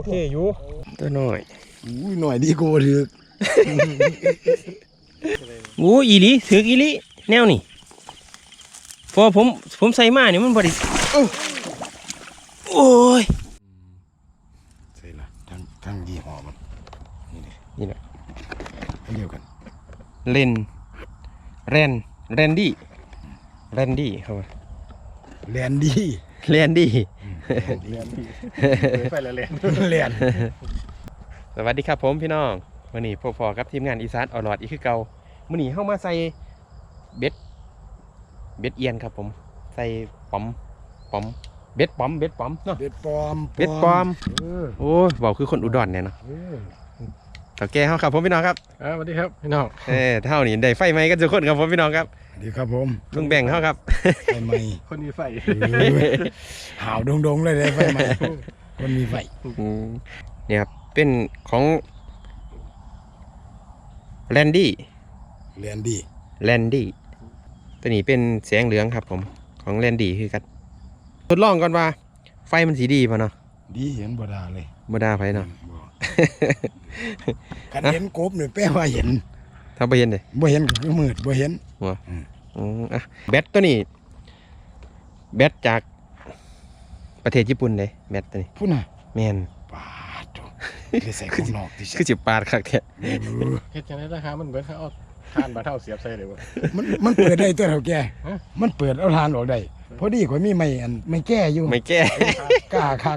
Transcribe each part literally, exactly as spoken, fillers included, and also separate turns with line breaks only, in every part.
อเคอยู่ตัวหน่อย
อุ้ยหน่อยดีกูถือ
โอ้อีหลีถืออีหลีแนวนี่พอผมผมใส่มาเนี่ยมันบริโอ้ย
ใส่ละทั้งทั้งยี่ห้อมันนี่เลย
นี่แหละ
อันเดียวกัน
เลนแรนแรนดี้แรนดี้ครับ
แลนดี้
แรนดี้
แลนดี้
ไปแล้วแลน
แลน
สวัสดีครับผมพี่น้องวันนี้พอๆกับทีมงานอีสานออลอดอีกคือเก่าวันนี้เข้ามาใส่เบ็ดเบ็ดเอียนครับผมใส่ป๋อมป๋อมเบ็ดป๋อมเบ็ดป๋อมเนาะ
เบ็ดปลอม
เบ็ดปลอมโอ้ยบอกคือคนอุดรเนี่ยเนาะต่อแกเขาครับผมพี่น้องครับ
สวัสดีครับพี่น้อง
เออเท่านี้ได้ไฟไหมกันทุกคนครับผมพี่น้องครับ
ดีครับผม
ลุงแบ่งเขาครับ
ไฟไหม
คนมีไฟ
หาวดงๆเลยเลยไฟไหมคนมีไฟ
เนี่ยครับเป็นของแลนดี้
แลนดี้
แลนดี้ตัวนี้เป็นแสงเหลืองครับผมของแลนดี้คือกันทดลองก่อนว่าไฟมันสีดีป่ะเนาะ
ดีเห็นบ่ดาเลย
บ่ดาไฟเนาะ
คันเห็นกบเนี่ยแปลว่าเห็น
ถ้าบ่เห็นเลย
บ่เห็นก็คือมืดบ่เห็น
หัวอืมอ่ะแบตตัวนี้แบตจากประเทศญี่ปุ่นเลยแบตตัวนี้
พูดน่ะ
แมน
ปาดคือใส่ของนอกที่
คือสิปาดคักแท้
เฮ็ดจังได๋ราคามันเบิดเอาทานบาเท่าเสียบใส่เลยบ่
มันมันเปิดได้ตัวเท่าแก่มันเปิดเอาทานออกได้พอดีข่อยมีไม่อันไม่แก้อยู่
ไม่แก้
กล้าคัก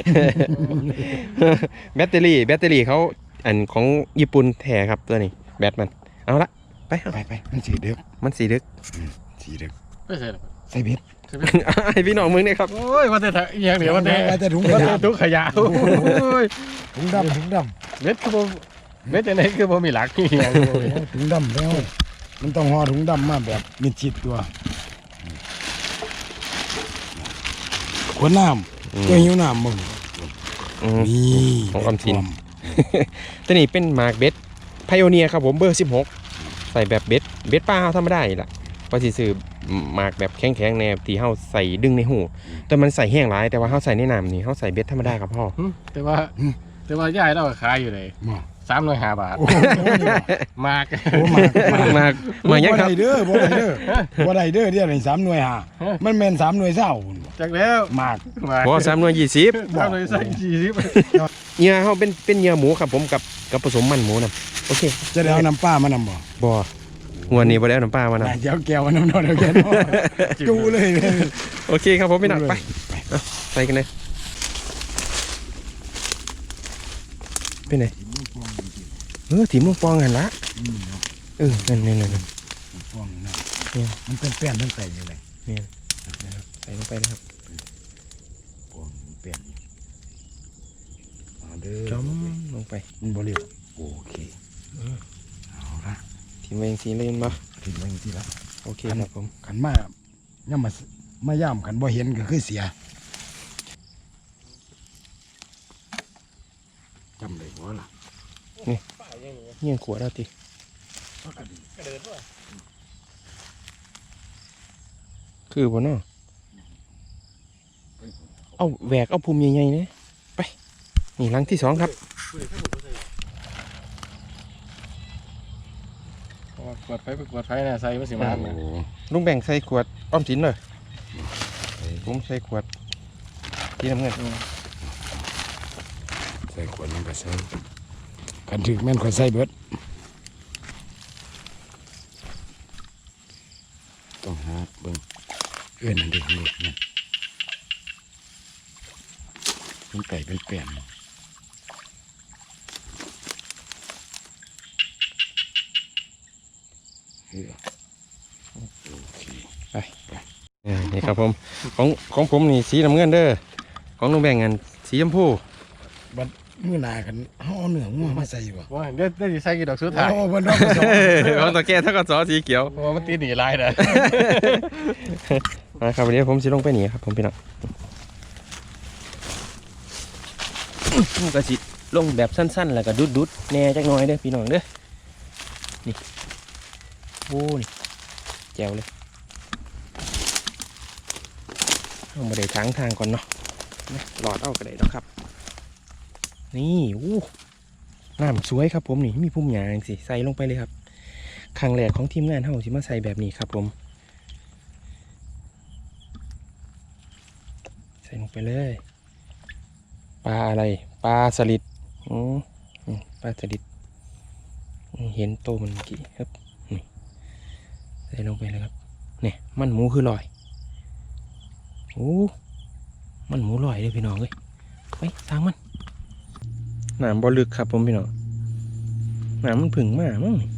แบตเตอรี่แบตเตอรี่เขาอันของญี่ปุ่นแท้ครับตัวนี้แบตมันเอาละไป
ไปไปมันสีดึก
มันสีดึก
สีดึก
ไม่ใส่
ใส่เบ็ด
ไอพี่น้องมึงเนี่ยครับ
โอ้ยว่าแต่อย่างเดียวว่าแต่
ว่าแต่ถุงขยะ
ถุงขยะโอ้ย
ถุงดำถุงด
ำเบ็ดคือบ่เบ็ดจังได๋คือบ่มีหลักอีหยัง
ถุงดำแล้วมันต้องห่อถุงดำมาแบบมิดชิดตัวขวดน้ำตัวหิวน้ำมึงนี่
ของออมสินตัวนี้เป็นหมากเบ็ดไพโอเนียครับผมเบอร์สิบหกใส่แบบเบ็ดเบ็ดป้าเขาทำไม่ได้ล่ะเพราะสิซื้อหมากแบบแข็งๆแนวที่เขาใส่ดึงในหูแต่มันใส่แห้งร้ายแต่ว่าเขาใส่ในน้ำนี่เขาใส่เบ็ดธรรมดาครับพ่อ
แต่ว่าแต่ว่าย่ายเราขายอยู่เลยสามร้อยห้าบาทมาก
มาก
มากมากยังครับ
บ่ได้เด้อบ่ได้เด้อบ่ได้เด้อเดี๋ยวนี้สามหน่วยห้ามันแม่นสามหน่วยเศร้า
จากแล้ว
มาก
พอสามหน่วยยี่สิบ
สามหน่วยใส่ยี่สิบ
เนื้อเขาเป็นเป็นเนื้อหมูครับผมกับกับผสมมันหมูนะโอเค
จะได้เอาน้ำปลามานำบ่
บ่หัวนี้บ่ได้เอาน้ำปลามานำ
เจ้าแก้วน้ำนอนเอาแก้วจูเลย
โอเคครับผมพี่น้องไปไปกันเลยไปไหนเออถิ่มลูกปองหันละเออนั่นนั่นนั่น
ปองนะมันเป็นแป้นทั้งใส่อยู่เลย
เนี่ยใส่ลงไปนะครับ
ปองแป้น
จมลงไป
มันบริวโอเคเอาละ
ถิ่มเองสีเล่นมา
ถิ่มเองสีละ
โอเคครับผม
ขันมาย่ำมามาย่ำขันบ่เห็นก็คือเสียจำได้ว่าล่ะ
นี่เงี้ยขวดแล้วทีคือบ่เนาะเอาแหวกเอาภูมิใหญ่ๆเนี่ยไปนี่ลังที่สองครับ
ขวดไฟขวดไฟนะใส่ไม่สิมา
ลุงแบ่งใส่ขวดอ้อมสินเลยผมใส่ขวดที่น้ำเงิน
ใส่ขวดมันก็ใส่กันถึกแม่นขวดใส่เบิดต้องหาเบิ่งเอื้อนนั่นเด็กนี่เนี่ยมันไก่เป็นแป้น
ไปนี่ครับผมของของผมนี่สีน้ำเงินเด้อของลุงแบ่งเงินสีชมพู
บัดมือหนากันห่อเนื้องัวมาใส่บ่
ว่าเดี๋ยวได้ใส่กี่ดอกสุดท้าย
โอ้บนดอกสอง
ของตัวแก่ถ้าก็ซอสีเขียว
โอ้มันตีหนีลายนะ
นะครับวันนี้ผมจะลงไปหนีครับผมพี่น้องก็สิลงแบบสั้นๆแล้วก็ดุดๆแน่จักหน่อยเด้อพี่น้องเด้อนี่โอ้นี่แจ๋วเลยเอามาได้ทางทางก่อนเนาะหลอดเอากระไดเนาะครับนี่อู้น้ำสวยครับผมนี่มีพุ่มหญ้าจังซี่ใส่ลงไปเลยครับครั้งแรกของทีมงานเฮาสิมาใส่แบบนี้ครับผมใส่ลงไปเลยปลาอะไรปลาสลิดอืมอืมปลาสลิดอืมเห็นโตมันเมื่อกี้ครับนี่ใส่ลงไปเลยครับเนี่ยมันหมูคือลอยโอ้มันหมูลอยเลยพี่น้องเลยไปทางมันน้ำบ่ลึกครับผมพี่น้องน้ำมันผึ่งมากมั้งนี่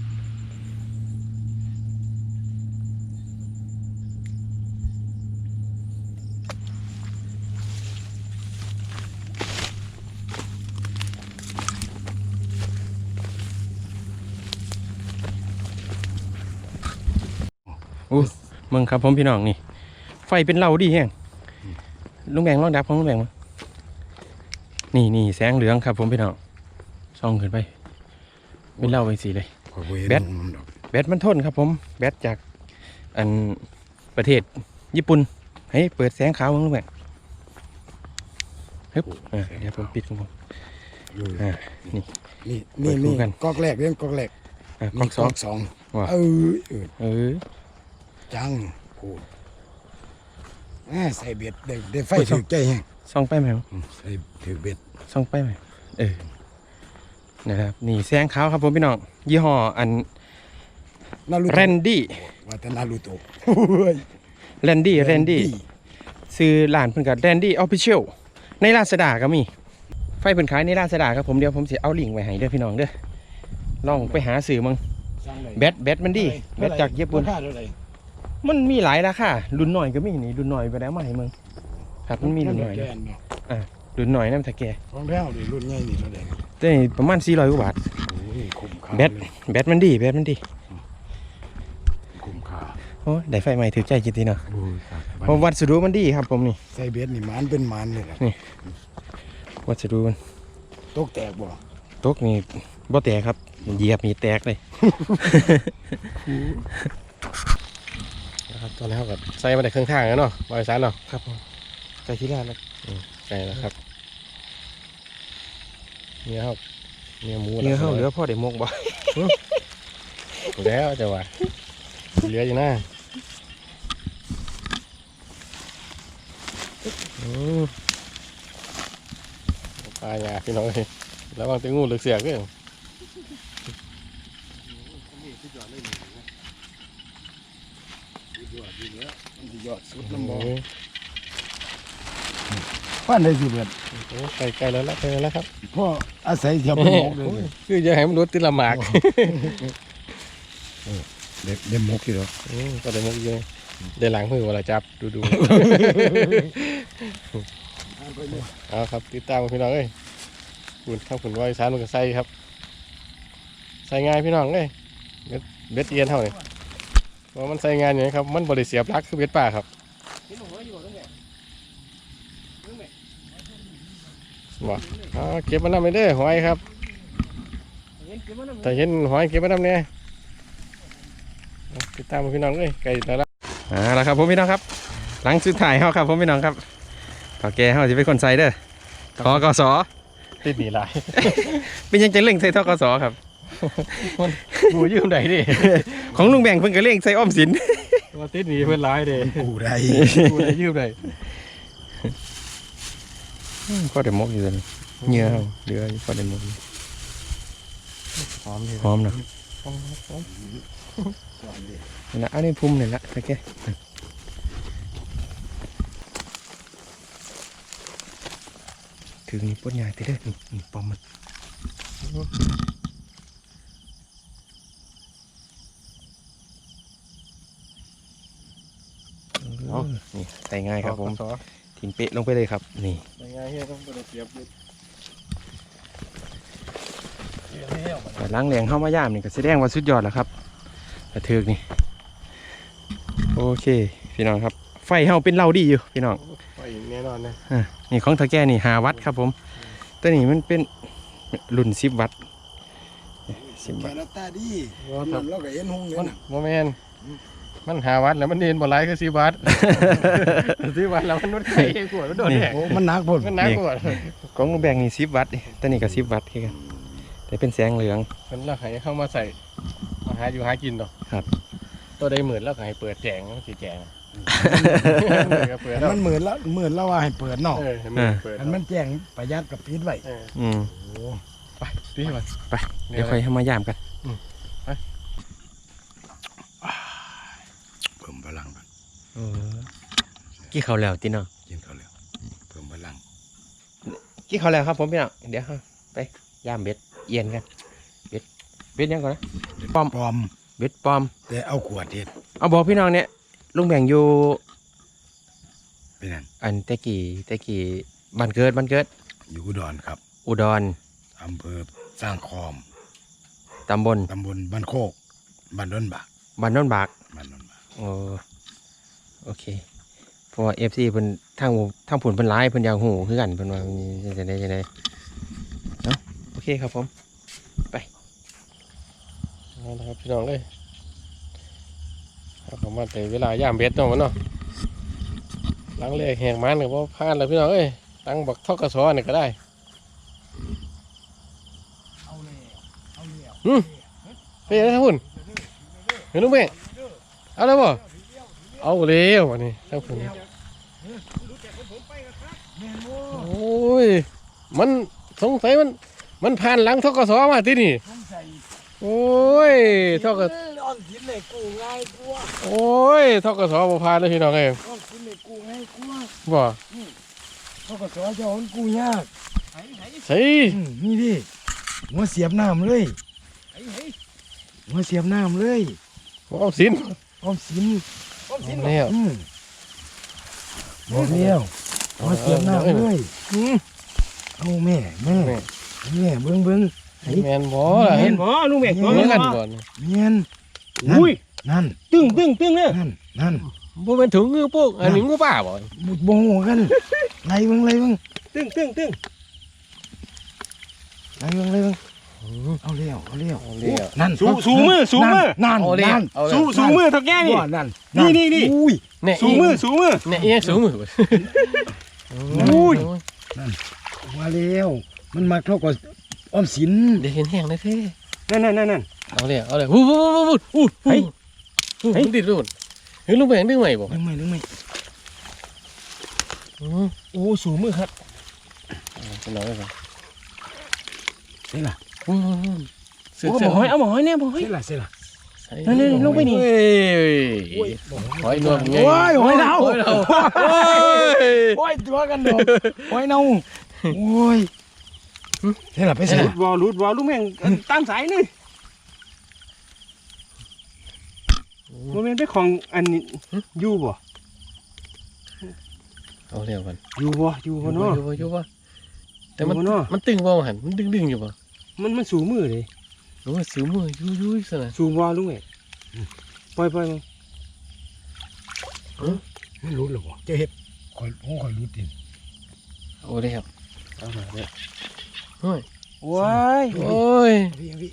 โอ้มึงครับผมพี่น้องนี่ไฟเป็นเหล่าดีแฮงลุงแบงลองดับของลุงแบงมานี่นี่แสงเหลืองครับผมพี่น้องส่องขึ้นไปเป็นเหล่าไปสีเลย แบต แบตมันทนครับผมแบตจากอันประเทศญี่ปุ่นให้เปิดแสงขาวมั้งลุงแบงฮึบอ่าเดี๋ยวผมปิดของผมอ่านี่
นี่
เปิ
นี่
ดคู่
นี่
กัน
กอกแรกเรื่องกอกแรก
อ่ากล้องสอง
สอง
ว่ะ
เออเออ
เออ
จังพูดแหม่ใส่เบ็ดเด็กเด็กไฟถือใจแฮง
ส่องไปไหมครับ
อืมใส่ถือเบ็ด
ส่องไปไหมเออนะครับนี่แสงขาวครับผมพี่น้องยี่ห้ออัน
นารูโตะ
แรนดี้
ว่าแต่นารูโตะ
แรนดี้แรนดี้ซื้อร้านเพิ่นกับแรนดี้ออฟฟิเชียลในลาซาด้าก็มีไฟเพิ่นขายในลาซาด้าครับผมเดี๋ยวผมสิเอาลิงก์ไว้ให้เด้อพี่น้องเด้อลองไปหาซื้อมึงแบตแบตมันดีแบตจากญี่ปุ่น
ราคาเท่าไหร่
มันมีหลายราคารุ่นหน่อยก็มีนี่รุ่นหน่อยไปแล้วมาให้มึงครับมันมีรุ่นหน่อย
แก
นะ
นเนาะ
รุ่นหน่อยนั่นตะแก
ของแท้ดิรุ่นใหญ่นี่เท่าไหร่
แต่นี่ประมาณสี่ร้อยกว่าบาท
โอ้ยคุ้มค่า
แบต
เลย
แบตมันดีแบตมันดี
คุ้มค่า
โอ้ได้ไฟใหม่ถือใจจริงๆเนาะ
โอ้ยครับ
เพราะวัสดุมันดีครับผมนี่
ใส่เบ็ดนี่หมันเป็นหมันเลยล่ะ
วัสดุมัน
ตกแตกบ่
ตกนี่บ่แตกครับเหยียบนี่แตกเลย
นะครับตอนนี้เขาก็ใส่มาได้เครื่องทางแล้วเนาะบริษัทเนาะ
ครับผมใส่ที่แรกเลย
ใส่แล้วครับเนื้อเขาเนื้อหมู
เนื้อเฮาเหลือพ่อได้มกบ่
แล้วจะว่าเหลืออยู่นะอืมปลาหยาพี่น้องเลยแล้วบางตีงูเหลือเสียกเลย
ยอดสุดน้ำบ่ป้านได้สิเบ็ด
โอ้ใกล้ใกล้แล้วละใกล้แล้วครับ
พ่ออาศัยเทียบเป็นหมกเลย
คือจะให้มันรถติดละหมาก
เด็กเด็กหมกอยู่หรอ
อืมก็ได้หมกเยอะได้หลังมือเวลาจับดูดูเอาครับติดตามกันพี่น้องเอ้ยคุณข้าวขุนวอยสารมันก็ใส่ครับ ใส่ง่ายพี่น้องเอ้ยเบ็ดเบ็ดเอียนเท่านี้เพราะมันใส่งานอย่างนี้ครับมันบริเสียบลักคือเบ็ดป่าครับบอกอ๋อเก็บมันนำไปเด้อหอยครับแต่เห็นหอยเก็บมันนำเนี่ยติดตามกันพี่น้องเอ้ยไก่แต่ละ
อ่าแล้วครับผมพี่น้องครับหลังสุดท้ายเฮาครับผมพี่น้องครับต่อแกเฮาสิเป็นคนใส่เด้อทกส
ติดหนีหลาย
เป็นยังจะเร่งใส่ทกสครับ
กูยืมได้ดิ
ของลุงแบ่งเพิ่นก็เร่งใส่ออมสิน
ว่าติดหนีเพื่อนร้ายเด้
กูได้
กูได้ยืมได้
พอได้มกอยู่เลยเหงื่อเฮาเหลืออยู่พอได้มกอยู่
หอมดี
หอมเนาะ
หอมหอม
นี่นะอันนี้พุ่มนี่ละโอเคถึงนี่ปวดใหญ่ติเด้อนี่นี่ปอมมันเออนี่ใส่ง่ายครับผม
สอ
ทิ้งเป๊ะลงไปเลยครับนี่
ยังไงเฮียต้องบริเสียบเลย
แต่ล้างแรงเข้ามาย่ามนี่ก็แสดงว่าสุดยอดแล้วครับกระเทือกนี่โอเคพี่น้องครับไฟเฮาเป็นเหล่าดีอยู่พี่น้อง
ไปแน่นอนนะ
อ่ะนี่ของตะแก่นี่หาวัตต์ครับผมตัวนี้มันเป็นรุ่นสิบวัตต์สิบ
แก
วัตต์
นตาดี
ว่า
นั่นเราก็เห็นหงเลย
มัน
นะ
โมเมนมันหาวัดแล้วมันเดินบ่หลายคือสี่บาท สี่บาทแล้วมันนวดไข่กวดมันโดนแดก
โอ้มันหนักพุ่น
มันหนักกว่า
ของลุงแบงนี่สิบวัตต์แต่นี่ก็สิบวัตต์คือกันแต่เป็นแสงเหลือง
มันเราให้เข้ามาใส่มาหาอยู่หากินดอก
ครับ
ตัวใดหมื่นแล้วก็ให้เปิดแจงมันสิแจงเปิด
แต่
แล้ว
มันหมื่นละหมื่นละว่าให้เปิดเนาะ
เออให้มันเปิด
อันมันแจ้งประหยัดกับปิดไว้
เออ
อืม
โอ้
ไปตีมัน
ไปเดี๋ยวค่อยให้มายามกัน
เพิ่มพลังก่อน
เออกี่เขาแล้วติเนาะ
กินเขาวแล้วเพิ่มพลัง
กี่เขาแล้วครับผมพี่น้องเดี๋ยวไปยามเบ็ดเอียนกันเบ็ดเบ็ดยังก่อนนะปอม
ปลอม
เบ็ดปอม
แต่เอาขวดเฮ็ด
เอาบอกพี่น้องเนี่ยลุงแบ่งอยู่
เป็นนั่น
อันตะกี้ตะกี้บ้านเกิดบ้านเกิด
อยู่อุดรครับ
อุดร
อำเภอสร้างคอม
ตำบล
ตำบลบ้านโคกบ้านดอนบาก
บ้านโนนบาก
บ้านดอนบาก
โอ้โอเคเพราะว่าเอฟซีเพิ่นทางทางผุนเพิ่นร้ายเพิ่นอยากหูคือกันเพิ่นว่าจะได้จะได้เนาะโอเคครับผม
เอาละครับพี่น้องเลยเอาเข้ามาแต่เวลาย่ามเบ็ดเนาะมันเนาะหลังเลขแหกมันกับว่าพลาดเลยพี่น้องเอ้ยตั้งบักทอกกระสอนี่ก็ได้
เอาเลยเอาเลย
อืมไปยังไงครับคุณเห็นลูกเม่เอาแล้วบ่เอาเร็ววันนี้ครับผมโอ้ยมันสงสัยมันมันผ่านหลังทกศมาที่นี่โอ้ยทกศ
ออมสินเลยกูง่ายกว่า
โอ้ยทกศบ่ผ่านเลยพี่น้องเอ้ย
ออมสินเลยกูง่ายกว่า
บ่
เขาก็สอนเจ้าของกูยาก
ใส่
อืมนี่ดิหัวเสียบน้ำเลยหัวเสียบน้ำเลย
เอาสิน
ออมสิน
เอาแล้ว
อืมบอกเลี้ยวหัวเสียบน้ำเลย
อืม
เอาแม่แม่
แม่
แม่เบิ้งเบิ้ง
แม่นบ่ล่ะ
เห็
เห็
น
น
บ่
บ่ลุงเม่
เห็
เห็
น
น
บ่
กันบ่
เมียน
อุ้ย
นั่น
ตึ้งตึ้งตึ้งเนี่ย
นั่นนั่น
บ่เป็นถุงมือปุ๊กอันนี้งูป่าบ่
บุดบงกันไล่เบิ้งไล่เบิ้ง
ตึ้งตึ้งตึ้ง
ไล่เบิ้งไล่เบิ้งเอาเลี้ยวเอาเลี้ยว
เอาเลี้ยว
นั่น
สูสูมือสูมือ
นั่น
เอาเลี้ยว
นั่น
เอา
สู
แล้ว
สูมือเท่าแก่นี่
ว่านั่น
นี่นี่นี่
อุ้ย
เนี่ย
สูมือสูมือ
เนี่ยเอียงสูงมือ
อุ้ย
ว่าเลี้ยวมันมาเท่ากับออมสิน
เดี๋ยวเห็นแห้งเลยเท่
นั่นนั่นนั่นนั่น
เอาเลยเอาเลยวู้วู้วู้วู้วู้
เฮ้ย
เฮ้ยติดรูดเฮ้ยลูกแบงดึงใหม่บ่
นึกไหมนึกไหม
อือ
โอ้สูมือครับ
เป็นน้อยครับ
เสียละ
อือเสือ
โอ้
เสื
บ
อ
อกหอยเอาบอกหอยเนี่ยบอกหอย
เสียละเสียละ
นั่นนี่ลงไปนี่
เฮ้ยหอยนวลไง
โอ้ยหอยเน่า
หอยเน่า
โอ้ยตัวกันดอกหอยเน่าโอ้ยเสียละไปเสีย
รู
ละ
ดวอลรูดวอลลูกแม่งตามสายนี่โมเมนต์ไปของอันนี้อยู่บ่
เอาเร็วกัน
อยู่บ่อยู่บ่เนาะ
อยู่บ่อยู่บ่แต่มัน
อยู่บ่เนาะ
มันตึงบ่หันมันดึงดึงอยู่บ่
มันมันสูมือเลย
โอ้ยสิวมืออยู่อยู่ซะนะ
สูวอลลูกแม่ปล่อยปล่อยมัน
ไม่รู้หรอกจะเห็ดคอยโอ้คอยรู้ติ
โอ้เลยครับ
เอามาเนี่ย
โอ้ย
ว้าย
โอ้ย
พี่พี่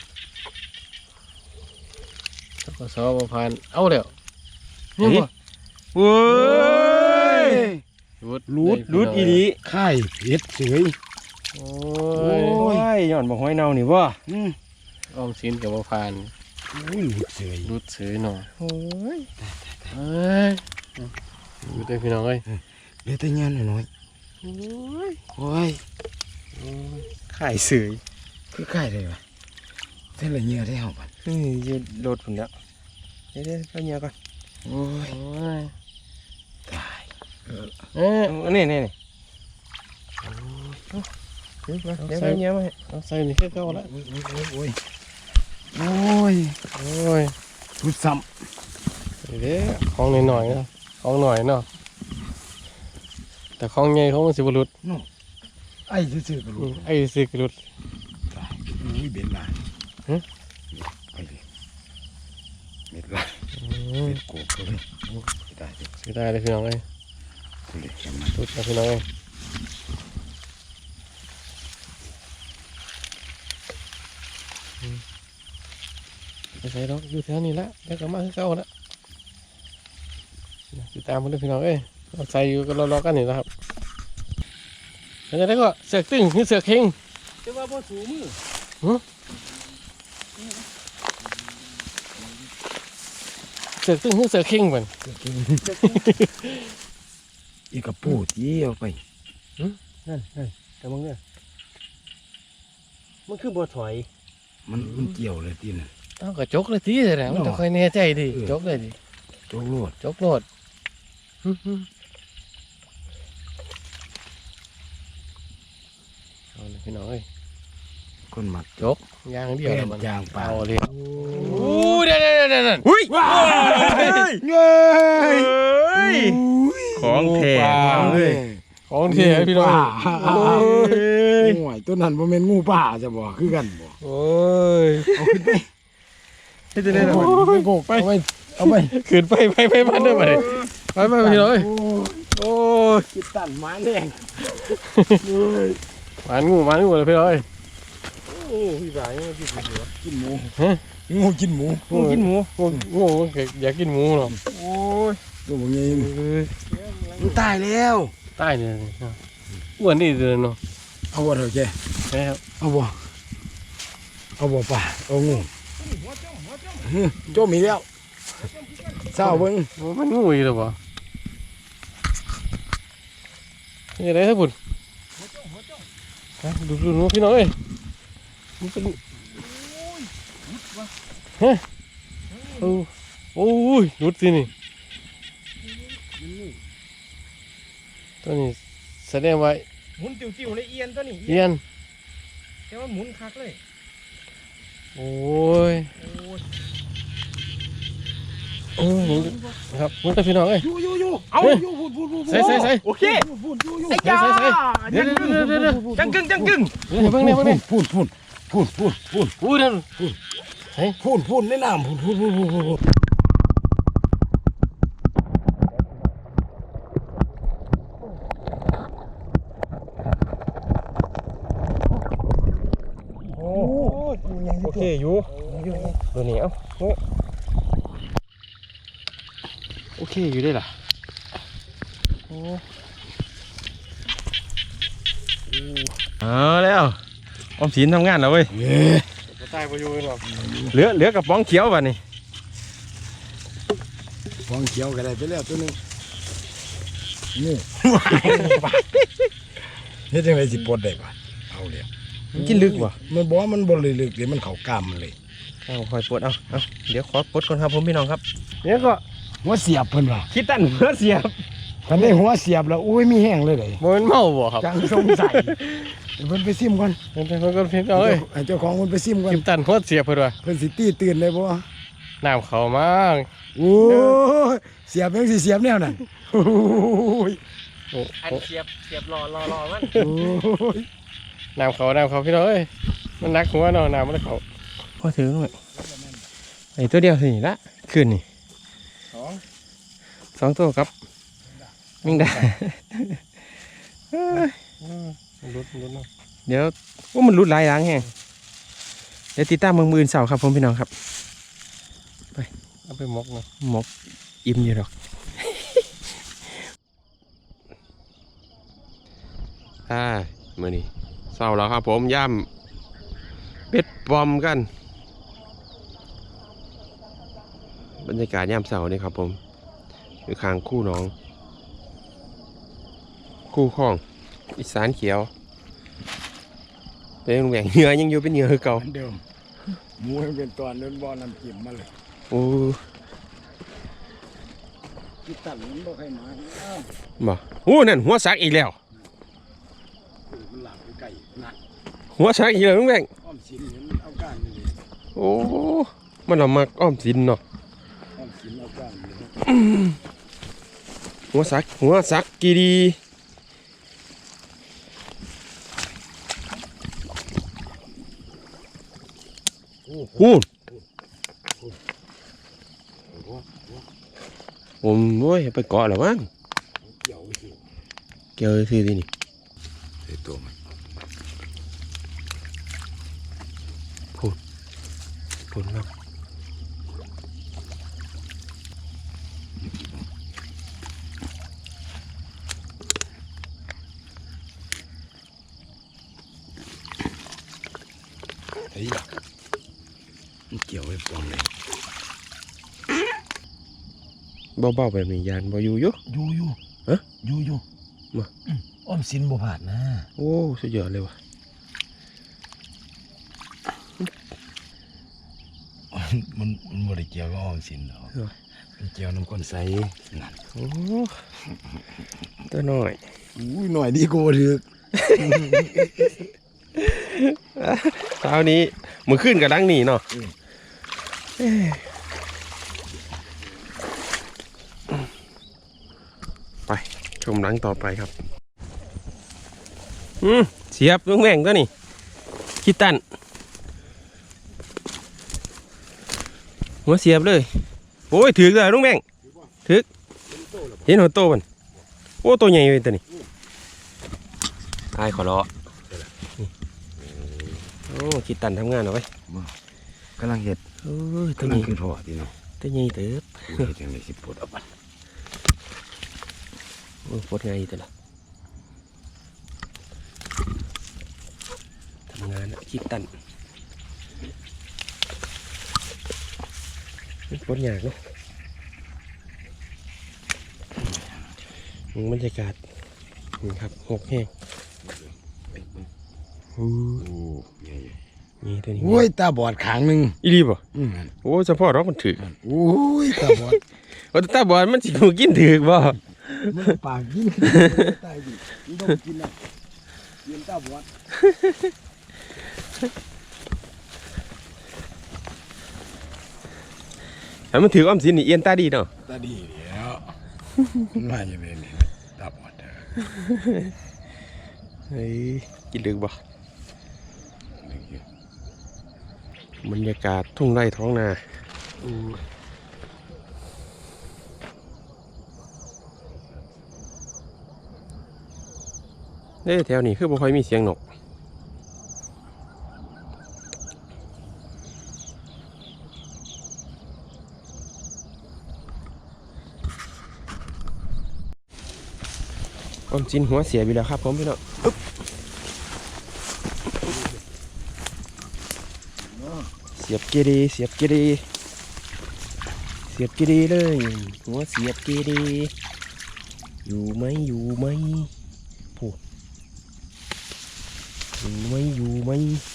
ก็สอบผ่านเอาแล้วนี่บ่
เว้ย
รูด
รูดรูดอีดี
ค่ายเห็ดสวย
โอ้
โอ้
ย
ยย้อนบอกหอยเน่านี่บ่
อืม
ออมสินกับบ่ผ่าน
อุ้ยหลุดสวย
รูดซื้อหน่อยโอ้ยเอ้ยดูได้พี่น้องเอ้ย
เดี๋ยวแต่เงี้ยหน่อย
โอ้ย
โอ้ย
ขายสื่อ
คือค่ายเลยวะเส้นละเงี้ยได้เหรอปัน
นี่ยืดโดดผมแล้วเดี๋ยวเดี๋ยวเอาเงียก่อน
โอ้ย
โอ้ย
ตายเออ
เอ้ย
เอานี่นี่นี่เดี๋ยวมาเดี๋ยวเอาเงียมาให้
เอาใส่นี่แค่เก่าละ
โอ้ยโอ้ยโอ้ยโอ้ย
โอ้ย
ทุดซ้
เด้ของหน่อยๆเนาะของหน่อยเนาะแต่ของใหญ่ของมันสิบ่หลุด
ำไอ้ซื่อๆก็
อื
รู้
มไอ้สิกหลุด
ตายอุ้ยเบ็ดลาย
ฮะ
ไปดิเบ็ดลาย
อืม
เบ็ดโกบเลยโอ้ยตายดิ
สิได้เลยพี่น้องเอ้ย
คุณเลยเห็นมัน
หลุดนะพี่น้องเอ้ยอืมไปใส่ดอกอยู่แถวนี้ละแล้วก็มาคือเก่าละตามมาด้วยพี่น้องเอ้ยเอาใส่อยู่ก็รอๆกันนี่นะครับแล้วได้ก็เสือกตึงคือเสือกเข่ง
จะว่าบ่สูมือ
เสือกตึงคือเสือกเข่งเหมือน
อีกระปูที่เอาไป
นั่นนั่นแต่มึงเนี่ยมันคือบ่ถอย
มันมันเกี่ยวเลยที่นั่น
ต้องกระจกเลยทีเลยนะมันต้องคอยแน่ใจดิจกเลยดิ
โจกโลด
จกโลดเอาเลยพี่น้องเอ้ย
คนหมัก
จกยางเดียว
แป้น
มัน
ยางปลา
เอาเลยอู้เดี๋ยวเดี๋ยวเดี๋ยวเดี๋ยว
อุ้ย
เย้ย
ของแท้เลย
ของเทียพี่น้อง
โอ้ยงูตัวนั้นบ่แม่นงูป่าจะบ่คือกันบ่
โอ้ย
เอาขึ้นไป
ให้จะได้หรอ
ไปโกกไปเอาไปเอาไป
ขึ้นไปไปไปมันได้ไหมไปไปพี่น้องเอ้ย
โอ้ยคิดตันไม้แดง
หวานงูหวานงูเลยพี่น้องเอ้ย
โอ้พี่สายกินหมูกินหมูงูกินหมู
งูกินหมูงูงูอยากกินหมูหรอ
โอ้ยตัวบ่ใหญ่มันตายแล้ว
ใต้เนี่ยอ้วนนี่เดินเนาะ
เอาบ่เถอะแก
ใช่ครับ
เอาบ่เอาบ่ป่าเอางูโจมอีกแล้วเศร้าเบิ่ง
มันงูอีกแล้วบ่นี่อะไรครับบุญดูดูดูพี่น้องเอ้ยมันเป็นฮะโอ้โอ้ยหลุดสินี่ตัวนี้แสดงว่า
หมุนติ้วๆในเอียนตัวนี้
เอียน
แต่ว่าหมุนคักเลย
โอ้ย
โอ้ย
โอ้ยครับมันก็พี่น้องเอ้ย
อยู่อยู่อยู่เอาอยู่พูดพูดพูด
ใส่ใส่ใส่
โอเค
พูดอยู่อยู่
ไอ้จ้า
เดี๋ยวเดี๋ยวเดี๋ยวเดี๋ยว
จังกึ่งจังกึ่ง
เดี๋ยวเพิ่งเนี่ยเพิ่งเนี่ย
พูดพูดพูดพูดพูด
อู้เดี๋ยว
พูดพูดในน้ำพูดพูดพูดพูดพูด
โอ้โอเคอยู่ตัวนี้เอ้าโอ้โอเคอยู่ได้ล่ะโอ้
เอาแล้วออมสินทำงานแล้วเว้ย
เย้
ตายไปอยู่หรอก
เหลือเหลือกระป๋องเขียวป่ะนี่
ฟองเขียวก็ได้ไปแล้วตัวนึงงูเฮ็ดจังไดสิปลดได้ปะเอาเลย
มันกินลึกป่ะ
มันบอกว่ามันบ่ลึกๆเดี๋ยวมันเข้ากล้ามมันเลย
เอาคอยปลดเอาเอาเดี๋ยวขอปลดก่อนครับผมพี่น้องครับ
เนี่ยก็
หัวเสียบเพิ่นว่า
คิดตั้นเพื่อเสียบ
คันได้หัวเสียบแล้วอุ้ยมีแห้งเลยเลย
มันเมาบ่ครับ
จังสงสัยเดี๋ยวเพิ่นไปซิมก่อน
เพิ่นเพิ่นก็พี่น้องเอ้ย
ให้เจ้าของเพิ่นไปซิมก่อน
กิมตันโคตรเสียเพิ่นว่า
เพิ่นสิตีตื่นได้บ่
น้ำเขามาก
โอ้ยเสียบยังสิเสียบแนวนั้นโอ้ย
โอ้
อันเสียบเสียบรอรอรอมัน
โอ้ย
น้ำเขาน้ำเขาพี่น้องเอ้ยมันนักหัวเนาะน้ำมันเขา
พอถือหน่อยไอ้ตัวเดียวสิละขึ้นนี่
สอง
สองตัวครับมิงได้
รุดรุดเนาะ
เดี๋ยวว่ามันรุดหลายหลังแฮงเดี๋ยวติดตามเมืองมืออื่นเสาร์ครับผมพี่น้องครับ
เอาไปหมกเนาะ
หมกอิ่มอยู่หรอก อ่ามื่อนี้เศร้าแล้วครับผมย่ำเป็ดปอมกัน บรรยากาศย่ำเสานี่ครับผมอยู่ข้างคู่หน้อง คู่ข้องอีสานเขียวเป็นแหว่งเหงื่อยังอยู่เป็นเหงื่อคือเก่า
เหมือนเดิมหมูให้เป็นตอนเดินบ่อน้ำจิ้มมาเลย
โอ้
คิดตันมันบ่ใครมาอ้าว
บ่โอ้นั่นหัวสักอีกแล้ว
มันหลับไปไก่นั่น
หัวสักอีกแล้วลุงแหว่ง
อ้อมสินเห็นเอาก้านนี่เลย
โอ้มันเอามาอ้อมสินเนาะ
อ้อมสินเอาก้านนี่เลย
หัวสักหัวสักกีดีพูดผมโอ้ยไปเกาะแล้วมั้ง
เกี่ยวสิ
เกี่ยวซื้อที่นี่
ไอ้ตัวมัน
พูดเนาะ
ไอ้ยะมันเกี่ยวไว้ปองเลย
เบาๆแบบนี้ยานบ่อยู่อยู่
อยู่อยู่
ฮะ
อยู่อยู่
มา
อืมอ้อมสินบ่ผ่านนะ
โอ้สุดยอดเลยว่ะ
มันมันบ่ได้เกี่ยวกับอ้อมสินหรอกมันเกี่ยวน้ำก้นใสนั่น
โอ้ตัวน้อย
อุ้ยหน่อยดีกูถึก
เช้านี้มือขึ้นกับดังนี่เนาะไปชมหลังต่อไปครับอืมเสียบลุงแม่งตัวนี่คิดตันหัวเสียบเลยโอ้ยถือเลยลุงแม่งถือเห็นหัวโตมันโอ้ตัวใหญ่เลยตัวนี้ตายขอรอโอ้คิดตันทำงานเอาไว้
กำลังเห็ด
เอ้ยตัว
กำลัง
นี้
ขึ้นพอดีเนาะ
ตัวใหญ่เติบ
เฮ็ดจังได๋สิปลดเอาไป
โอ้ยปวดไงแต่ละทำงานอะคิดตันปวดยากเนาะบรรยากาศนี่ครับหกแห้งโอ้
โอ้ใหญ่
นี่ตัวนี้
โอ้ยตาบอดขางหนึง
อีรีบ่
อืม
โอ้เฉพาะเรามันถือ
โอ้ยตาบอด
โอ้แต่ตาบอดมันสิถูกกินถือบ่
มันปากกินตายดิมันต้องกินน่ะเย็นตาบอด
ถ้ามันถืออ้อมสินนี่เอียนตาดีเนาะ
ตาดีแล้วมันมาอย่างนี้ตาบอดเด้อ
เฮ้ยกินลึกบ่บรรยากาศทุ่งไร่ท้องนาเอ้ยแถวนี้คือบ่ค่อยมีเสียงนกความจินหัวเสียไปแล้วครับผมพี่น้องอึ๊บเสียบเกดีเสียบเกดีเสียบเกดีเลยหัวเสียบเกดีอยู่ไหมอยู่ไหมผู้อยู่ไหมอยู่ไหม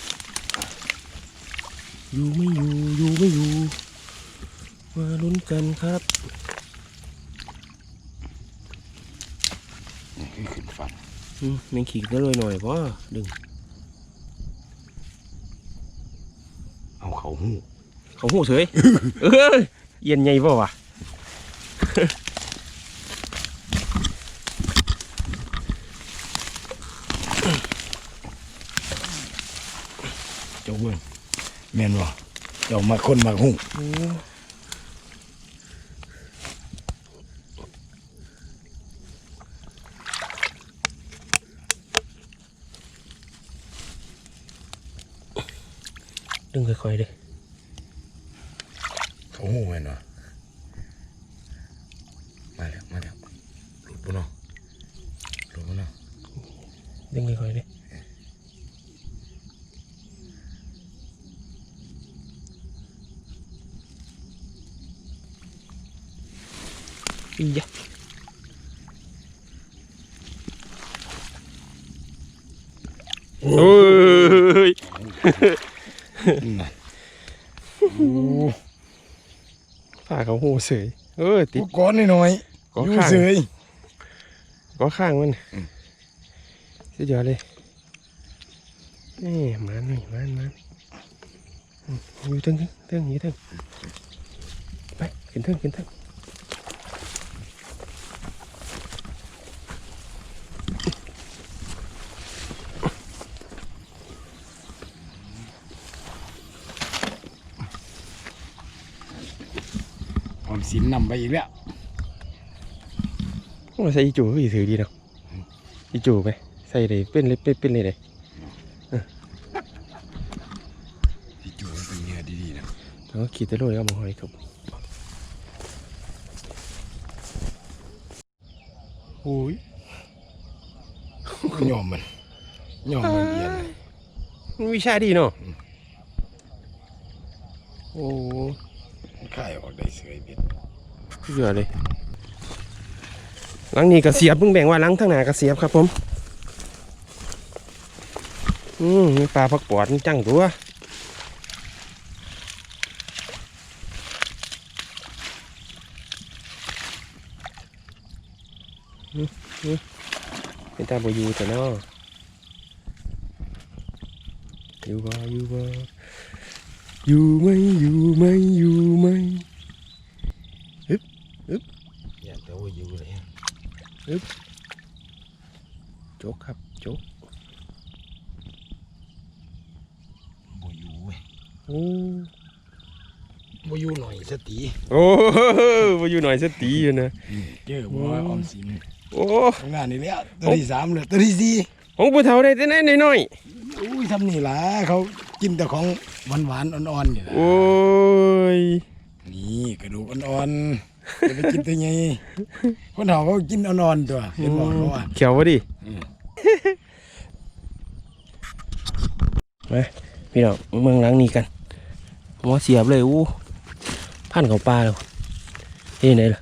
อยู่ไม่อยู่อยู่ไม่อยู่มาลุ้นกันครับ
นี่คือขึ้นฟัน
อืมแมงขีดก็เลยหน่อยเพราะดึง
เอาเขาหู
เขาหูเฉย เออเย็นใหญ่ป่าวะ
เจ้าเบิ่งแม่นบ่เจ้ามาคนมาหู
ดึงค่อยๆเลย
เขาหูแม่นบ่มาแล้วมาแล้วหลุดบ่เนาะหลุดบ่เนาะ
ดึงค่อยๆเลยอียะโอ้ย
นั่นโอ้
ผ้าเขาหูเสยเออติด
ก้อนน้อย
ก็
ๆอยู่
ข้าง
เสย
ก็ข้างมัน
อืม
สุดยอดเลยนี่มันนี่มันมันอืมอยู่ทึ่งทึ่งอยู่ทึ่งไปขึ้นทึ่งขึ้นทึ่ง
ออมสินนำไปอีกแล้ว
โอ้ใส่อีจูก็อีถือดีเนาะอีจูไปใส่เลยเป็นเลยเป็นเป็นเลยเลย
ที่จูมันเป็นเนื้อดีๆนะ
แล้วก็ขีดตะลุยเอามาห้อยครับโอ้ย
ยอมมันยอมมันเอียนเลย
มันวิชาดีเนาะอ้
ข่ายออกได้เสยเบ็ด
เยอะเลยหลังนี้ก็เสียบเพิ่งแบ่งว่าหลังทางหน้าก็เสียบครับผมอืมมีปลาพักปอดจังตัวเป็นตาบอยู่แต่เนาะอยู่บ่อยู่บ่อยู่ไหมอยู่ไหมอยู่ไหม
อย่าแต่ว่าอยู่เลย
โจกครับโจก
บ่อยู่เว้ย
โอ้
บ่อยู่หน่อยสติ
โอ้มาอยู่หน่อยสตีอยู่นะ
เจอบ่ว่าออมสิน
โอ้
ทำงานนี่แล้วตัวที่สามเลยตัวที่สี่
ของผู้เฒ่าได้แต่ไหนน้อย
อุ้ยทำนี่ล่ะเขากินแต่ของหวานๆอ่อนๆนี่ล่ะ
ๆโอ้ย
นี่กระดูกอ่อนๆจะไปกินตัวไงคนเฒ่าเขากินอ่อนๆตัวเห็นบอกเขาว่า
เขียววะดิ
อืม
มาพี่น้องเมืองหลังนี้กันหัวเสียบเลยอู้พันเขาปลาแล้วเฮ้ยไหนล่ะ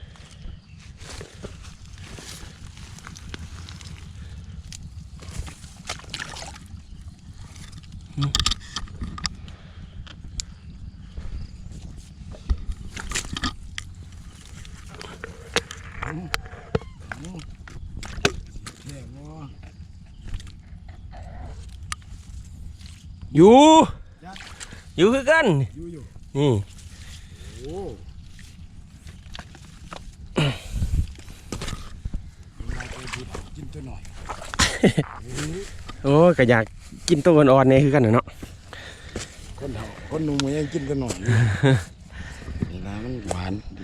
อยู่อยู่คือกัน
อยู่อยู่
นี่
โอ้มาตัวที่เรากินตัวหน่อย
โอ้ยก็อยากกินตัวอ่อนๆเนี่ยคือกันน่ะเนาะ
คนเฒ่าคนหนุ่มมันยังกินตัวหน่อยอยู่นี่นะมันหวานดิ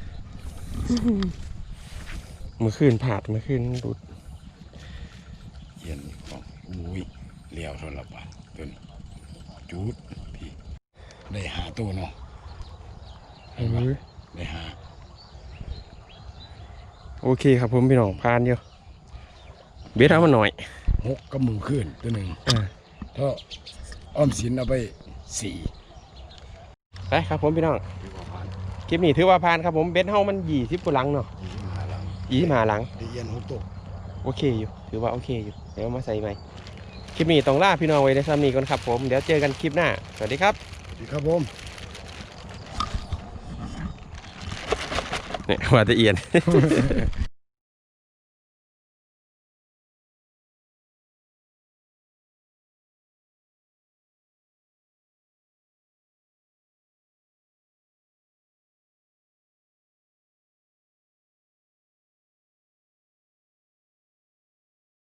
เมื่อคืนผาดเมื่อคืนดูด
เย็นของอุ้ยเลี้ยวโทรบาทตัวนี้จุดพี่ได้หาตัวเนาะเห็นปะได้หา
โอเคครับผมพี่น้องพานเดียวเบสเอามาหน่อย
หกกับมือขึ้นตัวหนึ่ง
อ่า
ถ้าอ้อมสินเอาไปสี่
ไปครับผมพี่น้อง
ดีกว่าพัน
คลิปนี้ถือว่าพานครับผมเบสเฮามันยี่สิบกว่าหลังเนาะ
ยี่สิบห้าหลัง
ยี่สิบห้าหลัง
ได้เย็นหกตัว
โอเคอยู่ถือว่าโอเคอยู่เดี๋ยวมาใส่ใหม่คลิปนี้ต้องล่าพี่น้องไว้ในซ้ำนี้ก่อนครับผมเดี๋ยวเจอกันคลิปหน้าสวัสดีครับ
ดีครับผม
เนี่ยว่าจะเอียน